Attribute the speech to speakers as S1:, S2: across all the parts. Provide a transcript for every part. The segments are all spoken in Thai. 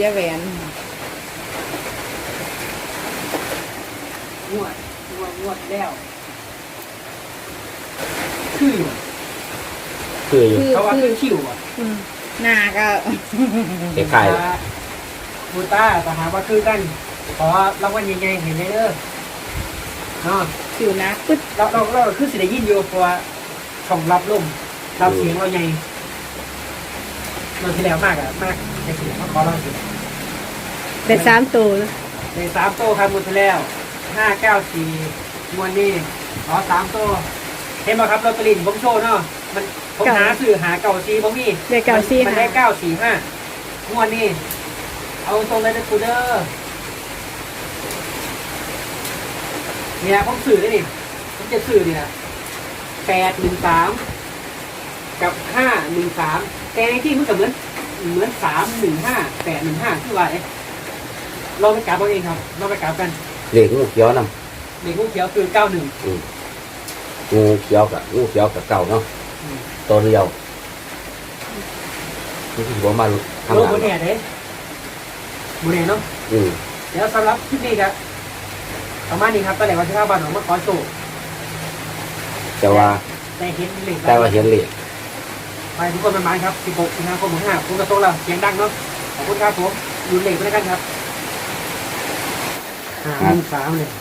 S1: สียแหวน
S2: งวดแล้วคืออยู่
S3: คืออยู่
S2: เขาว่าคือคิวอ่ะ
S1: หน้าก็
S3: คล้าย
S2: บูต้าแต่หาว่าคือกันขอรางวัลยังไงเห็นไหมเด้อเนาะ
S1: สิวนะปึ๊ด
S2: เราคือสิได้ยินอยู่เพราะว่าช่องรับลมรับเสียงเราใหญ่มันที่แล้วมากในเสียงเขาขอเราสิ
S1: ได้3ตัว
S2: ใน3โต้ครับหมดไปแล้ว594มวนนี่ขอ3โต้เห็นไหมครับลอตเตอรี่ผมโชว์เนาะมันผมหาซื้อหาเก่าซีบ่มี
S1: ได้เก่าซี่
S2: มันได้945มวนนี่เอาตรงเลยนะคูเดอร์เนี่ยผมสื่อได้ดิผมจะสื่อเนี่ย813กับ513แต่ในที่มันก็เหมือน315 815คือว่าเราไปกราบเอาเองครับเราไปกราบกัน
S3: ๆเหล็กงูเขียวนำ
S2: เด็กงูเขียวคือ91
S3: งูเขียวกับเก่าเนาะตัวเดียวนี่คือว่ามาทำ
S2: โล
S3: งาก
S2: โบ
S3: น
S2: เน่เด้โบเน่เนาะ เดี๋ยวสำหรับคลิปนี้ครับประมาณนี้ครับตอนแรกว่าที่ข้าวบ้านของมาขอโชว์
S3: แต่ว่า
S2: แต่เห็นเหล็ก
S3: เห็นเหล็ก
S2: ไปทุกคนประมาณครับ16สิงหาคม65คุณกระโตเราเสียงดังเนาะขอบคุณครับผมดูเหล็กไปแล้วกันครับ513เลย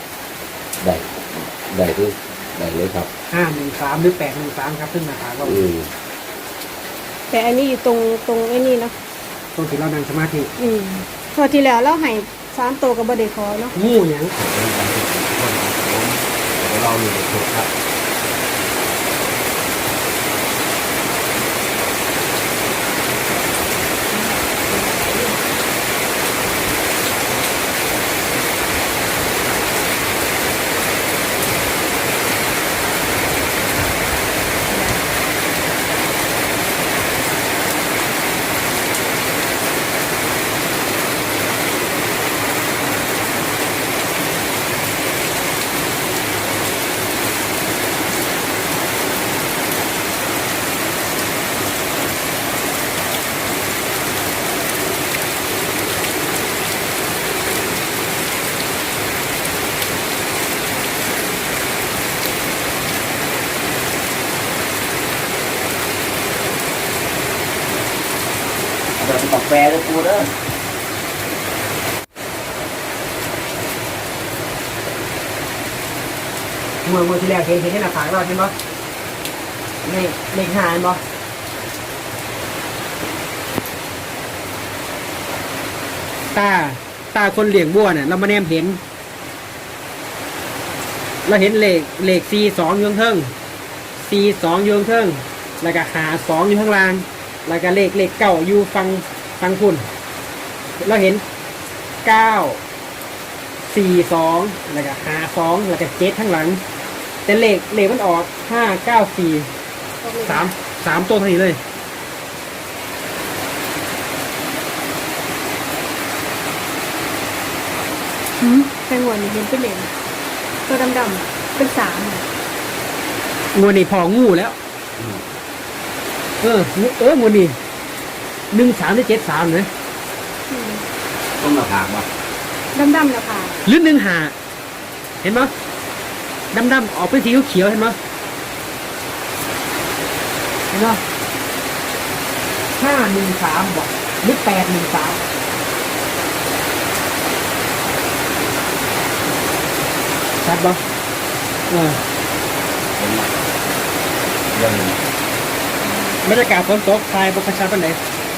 S3: ได้คือได้เลยครับ
S2: 513หรือ813ครับขึ้นมาถามว่า
S1: แต่อันนี้อยู่ตรงไอ้นี่เนาะ
S2: ต้องถือเรานั่งสมาธิ
S1: พอที่แล้วเราให้3ตัวกับบ่ได้ขอเนาะ
S2: งูหยัง
S3: เราอยู่ในชุดครับ เดี๋ยวไปตักแปรด้วยกูเด้อ
S2: เมื่อที่แรกเห็นที่หน้าผากเราเห็นปะเลข5เห็นปะตาคนเลี้ยงบัวเนี่ยเรามาแนมเห็น เราเห็นเลข42อยู่ข้างเทิง42อยู่ข้างเทิงแล้วก็52อยู่ข้างล่างแล้วก็เลข9อยู่ฟังคุณเราเห็น942แล้วก็52แล้วก็7ข้างหลังแต่เลขมันออก594 3ตัวเท่านี้เลย
S1: แต่หัวนี่เห็นเป็นเหรียญตัวดำๆเป็น3
S2: งูนี่พองูแล้วงูนี่13หรือ73เลย
S3: ต้องมาถามว่า
S1: ดำๆแล้วค่ะ
S2: หรือ15เห็นไหมดำออกเป็นสีเขียวเห็นไหม513บอกหรือ813ชัดบ่
S3: ยัง
S2: บรรยากาศฝนตกทายบกชัดเป็นไหน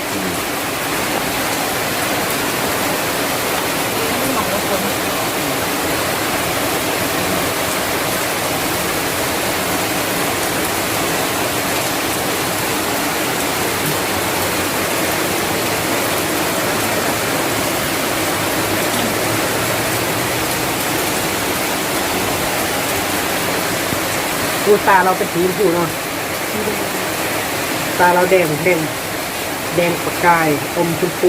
S2: ดูตาเราเป็นสีชมพูเนาะตาเราแดงประกายอมชมพู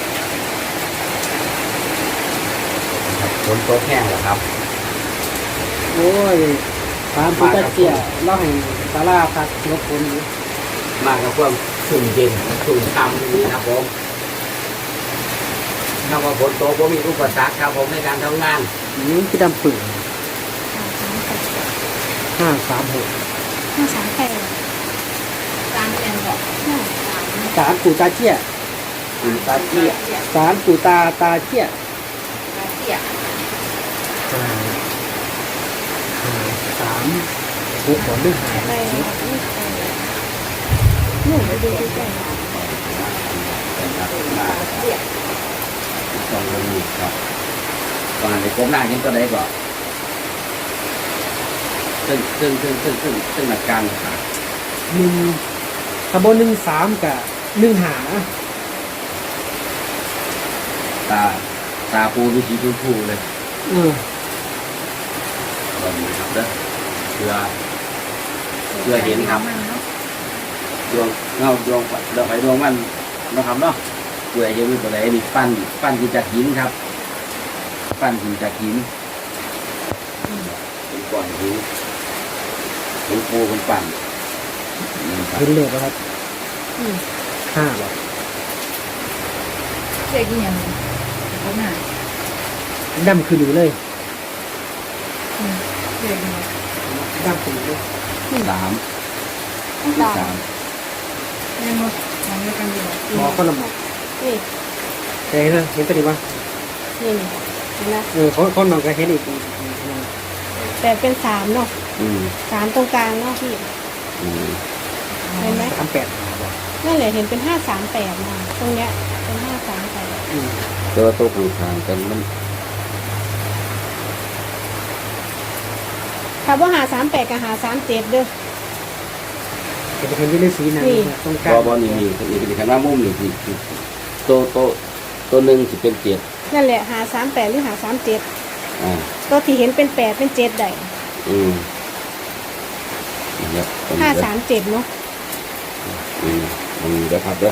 S3: ฝนตกแห้งแล้วครับ
S2: โอ้ยตามผู้ตัดเสียเล่าให้ตาลาพักรบกวนอยู่
S3: มากับความชุ่มเย็นชุ่มฉ่ำนี่นะครับผมำว่าฝนตกผมมีอุปสรรคครับผมในการทำงาน
S2: ที่ดำปืน536
S1: 538
S4: ตามเรียนบอก
S2: สารปู่ตาเจี้ย
S3: ตาเจี้ย
S2: สารปู่ตาเจี้ย
S4: เสีย
S2: 3 6ก่อนด้วย
S1: ไปนู่นไปดูใกล้
S3: ต้องลงมือครับตอนนี้ผมหน้าเห็นตัวใดก่อนซึ่งหลักการครับ
S2: 1ตะบน13กับ1หา
S3: ตาปูดูสีพูเลย ตอนนี้ครับเด้อเพื่อเห็นครับดวงเงาดวงไฟดวงมันนะครับเนาะเพื่อจะมีตัวไหนนี่ปั้นกินจากหินครับ ปั้นกินจากหินเป็นก้อนหินเป็นปูเป็นปั้นครับ
S2: เห็นเลขแล้วครับ5บ่
S4: เสียกี่อย่างเขาหน้า
S2: ดำคือหนูเลย
S4: เสียกี่อย่าง
S2: ดำคือหนูเลย
S3: สาม
S4: เรียนบอกมองด้วยกันดีกว่า
S2: หมอก็ละหมอ
S1: นี่
S2: แต่เห็นนะเห็นตัวนี้ป่ะ
S1: นี่เห็นไหม
S2: คนนอนก็เห็นอีก
S1: แต่เป็น3เนาะ
S3: อืม
S1: 3ตรงกลางเนาะพี่
S3: อืม
S1: เห็นไหม
S2: 38
S1: นั่นแหละเห็นเป็น538มาตรงเนี้ยเป็น538
S3: ตัวโต๊ะข้างๆกันมัน
S1: ถ้าว่า538กับ537เด้อ
S2: จะเห็นที่เลขสีนั้นตรงกลาง
S3: บอนี่เป็นข้างหน้ามุมนี่คือตัวหนึ่งสิเป็นเจ็ด
S1: นั่นแหละ538หรือ537
S3: อ่า
S1: ตัวที่เห็นเป็น8เป็น7ได้
S3: อืมนะครับตรงนี้เด้อ
S1: 537เนาะ
S3: มันเด้อครับเด้อ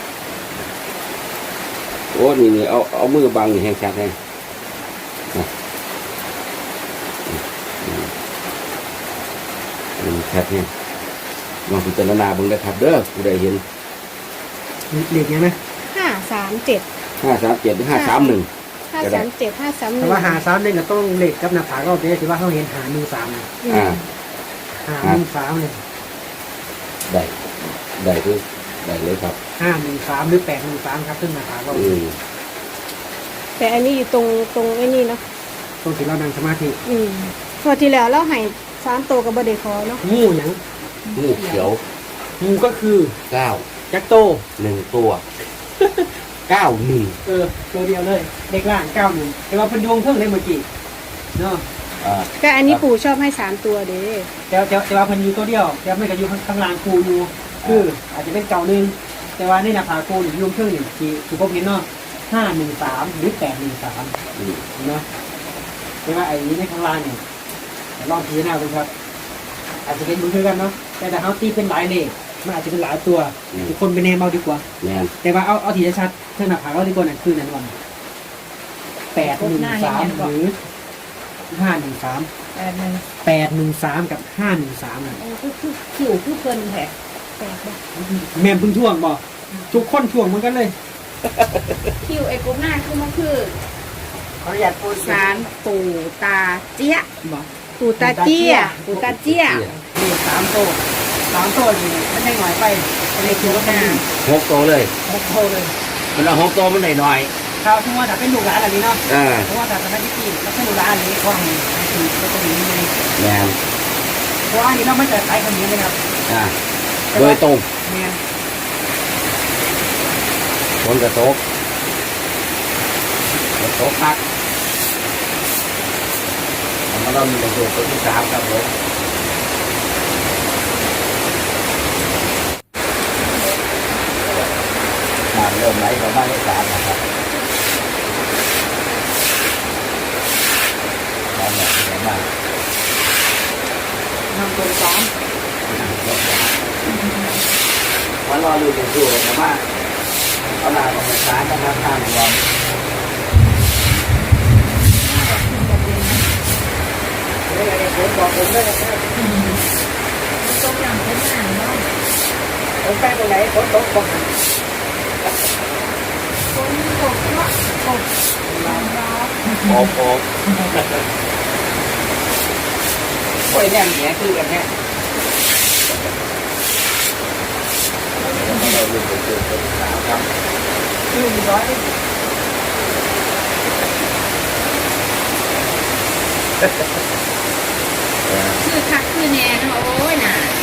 S3: โอ้นี่เอามือบังนี่แห้งชัดแห้งนะชัดแห้งลองพิจารณาเบิ่งได้ครับเด้อผู้ใดเห็น
S2: เลขยังไหม
S1: 537
S3: 537หรือ531
S1: 537 531
S2: แต่ว่า531ก็ต้องเลขกับหน้าผากเราจะถือว่าเขาเห็น513
S3: อ่า
S2: 513เลย
S3: ได้คือได้เลยครับ
S2: 513หรือ813ครับขึ้นหน้าผากเรา
S3: อืม
S1: แต่อันนี้อยู่ตรงไอ้นี่เนาะ
S2: ต้องถือเรานั่งสมาธิ
S1: งวดที่แล้วเราให้3ตัวกับบเดคอเนาะ
S2: งูหยัง
S3: งูเขียว
S2: งูก็คือ
S3: 9
S2: จักโต
S3: 1ตัว91
S2: ตัวเดียวเลยเด็กล่าง91แต่ว่าเป็นดวงเพิ่งเลยเมื่อกี้เนาะ
S1: แต่อันนี้ปู่ชอบให้3ตัวเด้
S2: แต่ว่าเพิ่นอยู่ตัวเดียวแต่ไม่ก็อยู่ข้างล่างกูอยู่คืออาจจะเป็นเก่าหนึ่งแต่ว่าในหน้าผากกูอยู่เพิ่งนี่ที่ผมเห็นเนาะ513หรือ813
S3: อืม
S2: เนาะแต่ว่าไอ้นี้ในข้างล่างเนี่ยลองพิจารณาดูครับ อาจจะเป็นมือคือกันเนาะแต่ถ้าเขาตีเป็นหลายเลขมันอาจจะเป็นหลายตัวทุกคนเป็นแนมเอาดีกว่า
S3: แม่น
S2: แต่ว่าเอาทีชัดๆเท่าหน้าผากเราดีกว่านั่นคือนั่นวัน813หรือ513 813กับ513น่ะ
S4: คือขิวคือเพลินแผล
S1: แปลกบ่
S2: แม่นเพึ่งท่วงบ่ทุกคนท่วงเหมือนกันเลย
S4: คิวไอ้กบหน้าคือมันคือ
S2: ขออนุญาตพูด
S4: สารปู่ตาเจี๊ยบ
S2: บ่
S1: ปู่ตาเจี้ย
S4: ปู่ตาเจี๊ยบ
S2: นี่3โต้นี่มันได้หน่อยไปอันนี้คือว่าเป็น
S3: 6ตัวเลย
S2: 6โต้เลย
S3: มันเอา6ตัวมันได้หน่อย
S2: ข้าวที่ว่าถ้าเป็นลูกหลานอันนี้เนาะ
S3: อ่า
S2: เพราะว่าถ้าเป็นที่แล้วเป็นลูกหลานอันนี้ก็ให้คือก็จะมีใน
S3: แม่น
S2: เพราะว่าอันนี้เราไม่จะใช้คำนี้เลยครับ
S3: อ่าโดยตรง
S2: แม่น
S3: ฝนกระตกพักมันเรามีประโยชน์ตัวที่3ครับผมน้ำเริ่มไหลเข้ามาในศาลนะครับน้ำไหลเข้ามา
S2: นำตัวซ้อม
S3: วันรอดูอย่างดูนะว่าเอาหน้าของศาลนะครับทางรวม
S2: ได้เลยผมบอกผมได้เลย
S4: ต้มยำเป็นหางเนาะ
S2: ผมไปตรงไหนผมตกผม
S4: คนกบเนาะกบลองรอ
S3: โอ้โหโอ้ยแน่เนี้ยคือกันแน่เราดูเป็นตัวสาวครับ
S4: 100 ชื่อคักคือแน่เนาะโอ้ยน่ะ